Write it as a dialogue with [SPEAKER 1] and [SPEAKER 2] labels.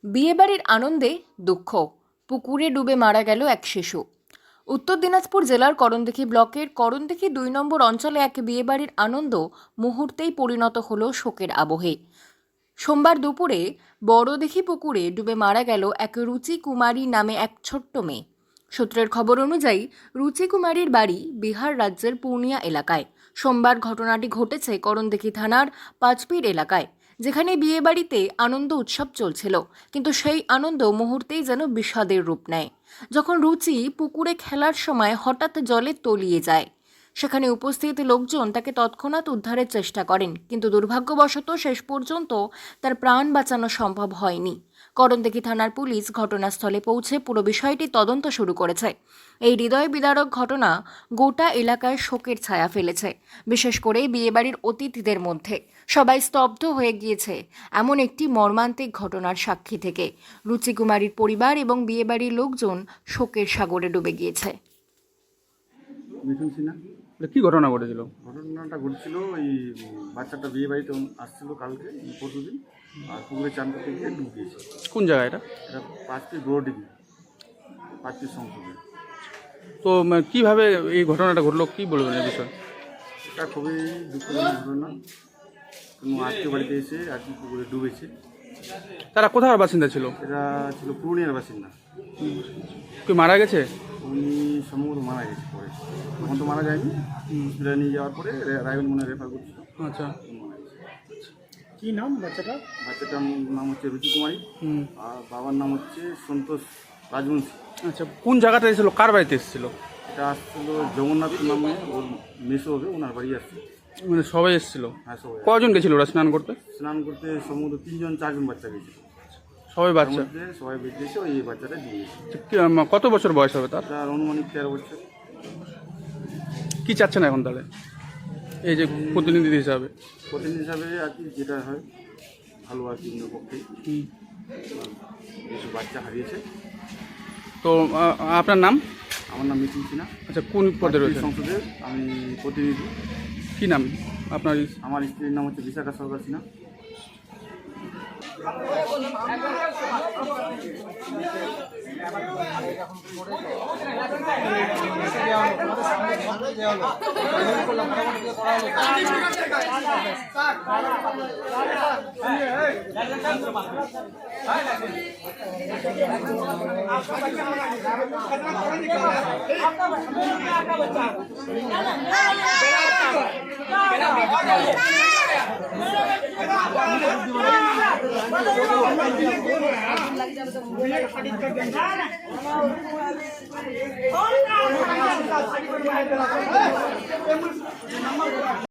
[SPEAKER 1] বিয়েবাড়ির আনন্দে দুঃখ, পুকুরে ডুবে মারা গেল এক শিশু। উত্তর দিনাজপুর জেলার করণদিঘি ব্লকের করণদিঘি ২ নম্বর অঞ্চলে এক বিয়েবাড়ির আনন্দ মুহূর্তেই পরিণত হলো শোকের আবহে। সোমবার দুপুরে বড়দিঘি পুকুরে ডুবে মারা গেল এক রুচি কুমারী নামে এক ছোট্ট মেয়ে। সূত্রের খবর অনুযায়ী রুচি কুমারীর বাড়ি বিহার রাজ্যের পূর্ণিয়া এলাকায়। সোমবার ঘটনাটি ঘটেছে করণদিঘি থানার পাঁচপীর এলাকায়, যেখানে বিয়েবাড়িতে আনন্দ উৎসব চলছিল, কিন্তু সেই আনন্দ মুহূর্তেই যেন বিষাদের রূপ নেয় যখন রুচি পুকুরে খেলার সময় হঠাৎ জলে তলিয়ে যায়। সেখানে উপস্থিত লোকজন তাকে তৎক্ষণাৎ উদ্ধারের চেষ্টা করেন, কিন্তু দুর্ভাগ্যবশত শেষ পর্যন্ত তার প্রাণ বাঁচানো সম্ভব হয়নি। করণদিঘি থানার পুলিশ ঘটনাস্থলে পৌঁছে পুরো বিষয়টি তদন্ত শুরু করেছে। এই হৃদয় বিদারক ঘটনা গোটা এলাকায় শোকের ছায়া ফেলেছে। বিশেষ করে বিয়েবাড়ির অতিথিদের মধ্যে সবাই স্তব্ধ হয়ে গিয়েছে এমন একটি মর্মান্তিক ঘটনার সাক্ষী থেকে। রুচি কুমারীর পরিবার এবং বিয়েবাড়ির লোকজন শোকের সাগরে ডুবে গিয়েছে।
[SPEAKER 2] মিঠুন সিনহা।
[SPEAKER 3] কি ঘটনা ঘটেছিল?
[SPEAKER 2] ঘটনাটা ঘটছিল এই বাচ্চাটা বিয়ে বাড়িতে আসছিল কালকে পরশুদিন, আর পুকুরে চান করতে গিয়ে ডুবে গিয়েছে।
[SPEAKER 3] কোন জায়গা এটা?
[SPEAKER 2] এটা পাঁচটি বড়ডিঘি, পাঁচটি সংসদে।
[SPEAKER 3] তো কিভাবে এই ঘটনাটা ঘটলো, কি বলবেন এই বিষয়ে?
[SPEAKER 2] এটা খুবই দুঃখজনক ঘটনা। কোনো আত্মীয় বাড়িতে এসে আর কি পুকুরে ডুবেছে।
[SPEAKER 3] তারা কোথাকার বাসিন্দা ছিল?
[SPEAKER 2] এরা ছিল পূর্ণিয়ার বাসিন্দা।
[SPEAKER 3] কি মারা গেছে?
[SPEAKER 2] উনি সম্ভবত মারা গেছে পরে, তখন তো মারা যায়নি। হসপিটালে নিয়ে যাওয়ার পরে রায়গঞ্জ মনে রেফার করছিল।
[SPEAKER 3] আচ্ছা,
[SPEAKER 2] মারা গেছে।
[SPEAKER 4] কি নাম বাচ্চাটা?
[SPEAKER 2] বাচ্চাটার নাম হচ্ছে রুচি কুমারী, আর বাবার নাম হচ্ছে সন্তোষ রাজবংশী।
[SPEAKER 3] আচ্ছা, কোন জায়গাটা এসেছিল, কার বাড়িতে এসেছিল?
[SPEAKER 2] এটা আসছিল জগন্নাথ নামে, ওর মেসো হবে, ওনার বাড়ি আসছে।
[SPEAKER 3] মানে সবাই এসেছিল?
[SPEAKER 2] হ্যাঁ, সবাই।
[SPEAKER 3] কজন গেছিল ওরা স্নান করতে?
[SPEAKER 2] স্নান করতে সম্ভবত 3-4জন বাচ্চা গেছে।
[SPEAKER 3] সবাই বাচ্চা?
[SPEAKER 2] সবাই বেঁচেছে, ওই বাচ্চাটা দিয়ে গেছে।
[SPEAKER 3] কত বছর বয়স হবে তার?
[SPEAKER 2] তার অনুমানিক 13 বছর।
[SPEAKER 3] কি চাচ্ছেন এখন তাহলে এই যে প্রতিনিধি হিসাবে?
[SPEAKER 2] প্রতিনিধি হিসাবে আর কি যেটা হয় ভালো আর কি, পক্ষে কিছু বাচ্চা হারিয়েছে।
[SPEAKER 3] তো আপনার নাম?
[SPEAKER 2] আমার নাম মিঠুন সিনহা।
[SPEAKER 3] আচ্ছা, কোন পদে রয়েছে?
[SPEAKER 2] সংসদের আমি প্রতিনিধি।
[SPEAKER 3] কি নাম আপনার?
[SPEAKER 2] আমার স্ত্রীর নাম হচ্ছে বিশাখা সরকার সিনহা।